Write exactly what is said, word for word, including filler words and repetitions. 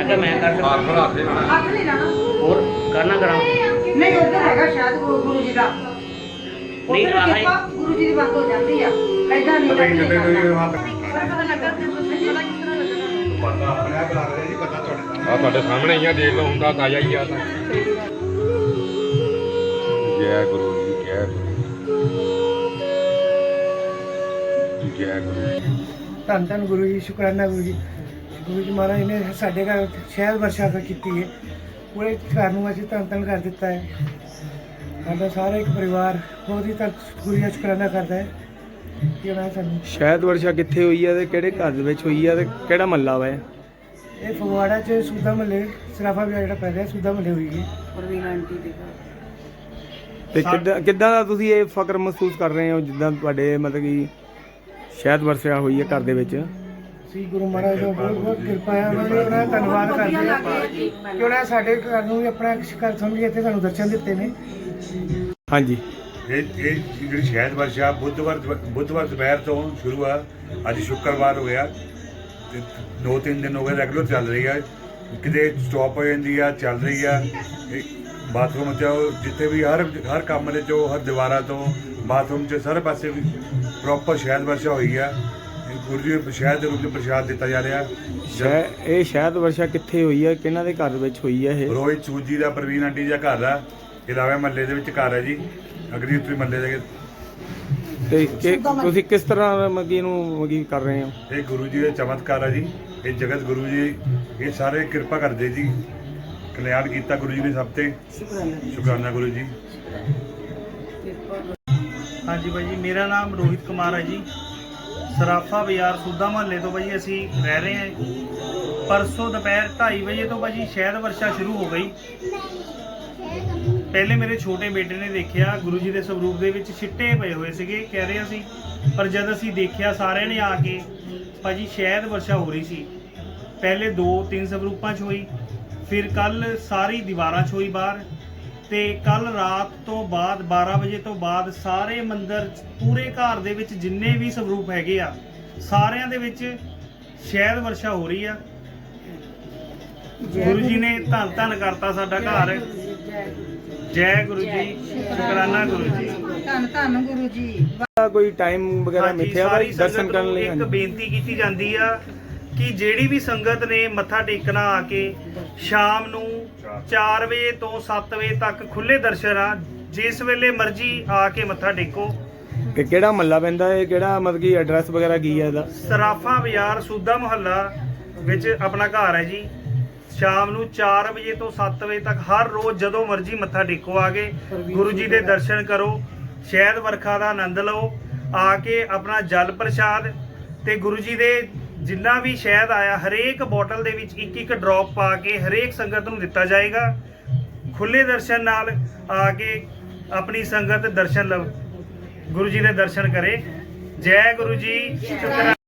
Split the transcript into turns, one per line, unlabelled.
मैं क्या मैं कर सकता हूँ?
हथ नहीं लाना
और करना करा
नहीं उधर हैगा शायद गुरु गुरु जी का
नहीं
उधर
आहा ही
किरपा गुरु जी की बात हो जाती है ऐसा नहीं
कभी कभी कोई बात
पता लगा कि पता किस तरह लगना
ਪਤਾ ਆਪਣੇ ਆਪ ਲੱਗ ਰਿਹਾ ਜੀ ਪਤਾ ਤੁਹਾਡੇ ਸਾਹਮਣੇ ਆ ਤੁਹਾਡੇ ਸਾਹਮਣੇ ਹੀ ਆ ਦੇਖ ਲਓ ਹੁੰਦਾ ਤਾਜ਼ਾ ਹੀ ਆ ਤਾਂ ਜੈ ਗੁਰੂ ਜੀ ਜੈ ਗੁਰੂ ਜੈ ਗੁਰੂ
ਧੰਨ ਧੰਨ ਗੁਰੂ ਜੀ ਸ਼ੁਕਰਾਨਾ ਗੁਰੂ ਜੀ ਗੁਰੂ ਜੀ ਮਹਾਰਾਜ ਨੇ ਸਾਡੇ ਘਰ ਸ਼ਹਿਰ ਵਰਸ਼ਾ ਕੀਤੀ ਹੈ ਪੂਰੇ ਘਰ ਨੂੰ ਅਸੀਂ ਧੰਨ ਧੰਨ ਕਰ ਦਿੱਤਾ ਹੈ ਸਾਡਾ ਸਾਰਾ ਇੱਕ ਪਰਿਵਾਰ ਬਹੁਤ ਹੀ ਧੰਨ ਗੁਰੂ ਜੀ ਦਾ ਸ਼ੁਕਰਾਨਾ ਕਰਦਾ ਹੈ ਕਿ ਉਹਨਾਂ ਨੇ ਸਾਨੂੰ
ਸ਼ਾਇਦ ਵਰਸ਼ਾ ਕਿੱਥੇ ਹੋਈ ਹੈ ਤੇ ਕਿਹੜੇ ਘਰ ਦੇ ਵਿੱਚ ਹੋਈ ਹੈ ਤੇ ਕਿਹੜਾ ਮਹੱਲਾ ਵਾ ਇਹ?
ਇਹ ਫਗਵਾੜਾ 'ਚ ਸੂਦਾ ਮਹੱਲੇ ਸਰਾਫਾ ਵਿਆਹ ਜਿਹੜਾ ਪੈ ਰਿਹਾ ਸੂਦਾ ਮਹੱਲੇ ਹੋਈ ਹੈ
ਤੇ ਕਿੱਦਾਂ ਕਿੱਦਾਂ ਦਾ ਤੁਸੀਂ ਇਹ ਫਕਰ ਮਹਿਸੂਸ ਕਰ ਰਹੇ ਹੋ ਜਿੱਦਾਂ ਤੁਹਾਡੇ ਮਤਲਬ ਕਿ ਸ਼ਾਇਦ ਵਰਸ਼ਾ ਹੋਈ ਹੈ ਘਰ ਦੇ ਵਿੱਚ?
ਸ੍ਰੀ ਗੁਰੂ ਮਹਾਰਾਜ ਦਾ ਬਹੁਤ ਬਹੁਤ ਕਿਰਪਾ ਹੈ ਉਹਨਾਂ ਦਾ ਉਹਨਾਂ ਦਾ ਧੰਨਵਾਦ ਕਰਦੇ ਹਾਂ ਕਿ ਉਹਨਾਂ ਨੇ ਸਾਡੇ ਘਰ ਨੂੰ ਵੀ ਆਪਣਾ ਘਰ ਸਮਝ ਕੇ ਇੱਥੇ ਸਾਨੂੰ ਦਰਸ਼ਨ ਦਿੱਤੇ ਨੇ।
ਹਾਂਜੀ
ਇਹ ਇਹ ਜਿਹੜੀ ਸ਼ਹਿਦ ਵਰਸ਼ਾ ਬੁੱਧਵਾਰ ਬੁੱਧਵਾਰ ਦੁਪਹਿਰ ਤੋਂ ਸ਼ੁਰੂ ਆ ਅੱਜ ਸ਼ੁੱਕਰਵਾਰ ਹੋ ਗਿਆ ਤੇ ਦੋ ਤਿੰਨ ਦਿਨ ਹੋ ਗਏ ਰੈਗੂਲਰ ਚੱਲ ਰਹੀ ਆ ਕਿਤੇ ਸਟਾਪ ਹੋ ਜਾਂਦੀ ਆ ਚੱਲ ਰਹੀ ਆ ਇਹ ਬਾਥਰੂਮ 'ਚ ਜਿੱਥੇ ਵੀ ਹਰ ਹਰ ਕਮਰੇ 'ਚੋਂ ਹਰ ਦੀਵਾਰਾਂ ਤੋਂ ਬਾਥਰੂਮ 'ਚ ਸਾਰੇ ਪਾਸੇ ਵੀ ਪ੍ਰੋਪਰ ਸ਼ਹਿਦ ਵਰਸ਼ਾ ਹੋਈ ਆ ਗੁਰੂ ਜੀ ਨੂੰ ਸ਼ਹਿਦ ਦੇ ਰੂਪ 'ਚ ਪ੍ਰਸ਼ਾਦ ਦਿੱਤਾ ਜਾ ਰਿਹਾ
ਸ਼ਾਇ ਇਹ ਸ਼ਾਇਦ ਵਰਸ਼ਾ ਕਿੱਥੇ ਹੋਈ ਹੈ ਕਿਹਨਾਂ ਦੇ ਘਰ ਵਿੱਚ ਹੋਈ ਹੈ ਇਹ?
ਰੋਹਿਤ ਸੂਜੀ ਦਾ ਪ੍ਰਵੀਨ ਆਂਟੀ ਦਾ ਘਰ ਆ ਇਲਾਵੇ ਮਹੱਲੇ ਦੇ ਵਿੱਚ ਘਰ ਹੈ ਜੀ ਅਗਰੀ ਉੱਤਰੀ ਮਹੱਲੇ ਦੇ
ਤੇ ਕਿ ਤੁਸੀਂ ਕਿਸ ਤਰ੍ਹਾਂ ਮਗੀ ਨੂੰ ਮਗੀ ਕਰ ਰਹੇ ਹੋ?
ਇਹ ਗੁਰੂ ਜੀ ਦੇ ਚਮਤਕਾਰ ਆ ਜੀ ਇਹ ਜਗਤ ਗੁਰੂ ਜੀ ਇਹ ਸਾਰੇ ਕਿਰਪਾ ਕਰਦੇ ਜੀ ਕਲਿਆਣ ਕੀਤਾ ਗੁਰੂ ਜੀ ਨੇ ਸਭ ਤੇ ਸ਼ੁਕਰਾਨਾ ਗੁਰੂ ਜੀ।
ਹਾਂਜੀ ਭਾਈ ਜੀ ਮੇਰਾ ਨਾਮ ਰੋਹਿਤ ਕੁਮਾਰ ਹੈ ਜੀ ਸਰਾਫਾ ਬਾਜ਼ਾਰ ਸੂਦਾ ਮਹੱਲੇ ਤੋਂ ਭਾਈ ਅਸੀਂ ਰਹਿ ਰਹੇ ਹਾਂ। ਪਰਸੋਂ ਦੁਪਹਿਰ ਢਾਈ ਵਜੇ ਤੋਂ ਭਾਈ ਸ਼ਹਿਦ ਵਰਸ਼ਾ ਸ਼ੁਰੂ ਹੋ ਗਈ। ਪਹਿਲੇ ਮੇਰੇ ਛੋਟੇ ਬੇਟੇ ਨੇ ਦੇਖਿਆ ਗੁਰੂ ਜੀ ਦੇ ਸਰੂਪ ਦੇ ਵਿੱਚ ਛਿੱਟੇ ਪਏ ਹੋਏ ਸੀਗੇ ਕਹਿ ਰਹੇ ਸੀ ਪਰ ਜਦ ਅਸੀਂ ਦੇਖਿਆ ਸਾਰਿਆਂ ਨੇ ਆ ਕੇ ਭਾਜੀ ਸ਼ਹਿਦ ਵਰਸ਼ਾ ਹੋ ਰਹੀ ਸੀ। ਪਹਿਲੇ ਦੋ ਤਿੰਨ ਸਰੂਪਾਂ 'ਚ ਹੋਈ ਫਿਰ ਕੱਲ ਸਾਰੀ ਦੀਵਾਰਾਂ 'ਚ ਹੋਈ ਬਾਹਰ ਤੇ ਕੱਲ ਰਾਤ ਤੋਂ ਬਾਅਦ ਬਾਰਾਂ ਵਜੇ ਤੋਂ ਬਾਅਦ ਸਾਰੇ ਮੰਦਿਰ ਪੂਰੇ ਘਰ ਦੇ ਵਿੱਚ ਜਿੰਨੇ ਵੀ ਸਰੂਪ ਹੈਗੇ ਆ ਸਾਰਿਆਂ ਦੇ ਵਿੱਚ ਸ਼ਹਿਦ ਵਰਸ਼ਾ ਹੋ ਰਹੀ ਆ। ਗੁਰੂ ਜੀ ਨੇ ਧੰਨ ਧੰਨ ਕਰਤਾ ਸਾਡਾ ਘਰ। ਜੈ ਗੁਰੂ ਜੀ ਸ਼ੁਕਰਾਨਾ ਗੁਰੂ ਜੀ।
ਧੰਨ ਧੰਨ ਗੁਰੂ ਜੀ।
ਕੋਈ ਟਾਈਮ ਵਗੈਰਾ
ਹਾਂਜੀ,
ਮਿੱਥਿਆ ਵਾ
ਸਾਰੀ
ਦਰਸ਼ਨ
ਸੰਗਤ
ਕਰਨ
ਨੂੰ
ਲਈ?
ਇੱਕ
ਹਾਂਜੀ
ਬੇਨਤੀ ਕੀਤੀ ਜਾਂਦੀ ਆ ਕਿ ਜਿਹੜੀ ਵੀ ਸੰਗਤ ਨੇ ਮੱਥਾ ਟੇਕਣਾ ਆ ਕੇ ਸ਼ਾਮ ਨੂੰ ਚਾਰ ਵਜੇ ਤੋਂ ਸੱਤ ਵਜੇ ਤੱਕ ਖੁੱਲੇ ਦਰਸ਼ਨ ਆ ਜਿਸ ਵੇਲੇ ਮਰਜ਼ੀ ਆ ਕੇ ਮੱਥਾ ਟੇਕੋ।
ਕਿ ਕਿਹੜਾ ਮਹੱਲਾ ਪੈਂਦਾ ਹੈ ਕਿਹੜਾ ਮਤਲਬ ਕਿ ਐਡਰੈਸ ਵਗੈਰਾ ਕੀ ਹੈ ਇਹਦਾ?
ਸਰਾਫਾ ਬਾਜ਼ਾਰ ਸੂਦਾ ਮੁਹੱਲਾ ਵਿੱਚ ਆਪਣਾ ਘਰ ਹੈ ਜੀ। ਸ਼ਾਮ ਨੂੰ ਚਾਰ ਵਜੇ ਤੋਂ ਸੱਤ ਵਜੇ ਤੱਕ ਹਰ ਰੋਜ਼ ਜਦੋਂ ਮਰਜ਼ੀ ਮੱਥਾ ਟੇਕੋ ਆ ਕੇ ਗੁਰੂ ਜੀ ਦੇ ਦਰਸ਼ਨ ਕਰੋ ਸ਼ਹਿਦ ਵਰਖਾ ਦਾ ਆਨੰਦ ਲਓ ਆ ਕੇ ਆਪਣਾ ਜਲ ਪ੍ਰਸ਼ਾਦ ਤੇ ਗੁਰੂ ਜੀ ਦੇ ਜਿੰਨਾ ਵੀ ਸ਼ਹਿਦ ਆਇਆ ਹਰੇਕ ਬੋਟਲ ਦੇ ਵਿੱਚ ਇੱਕ ਇੱਕ ਡ੍ਰੌਪ ਪਾ ਕੇ ਹਰੇਕ ਸੰਗਤ ਨੂੰ ਦਿੱਤਾ ਜਾਏਗਾ। ਖੁੱਲੇ ਦਰਸ਼ਨ ਨਾਲ ਆ ਕੇ ਆਪਣੀ ਸੰਗਤ ਦਰਸ਼ਨ ਲਵ ਗੁਰੂ ਜੀ ਦੇ ਦਰਸ਼ਨ ਕਰੇ। ਜੈ ਗੁਰੂ ਜੀ ਸ਼ੁਕਰਾਨਾ।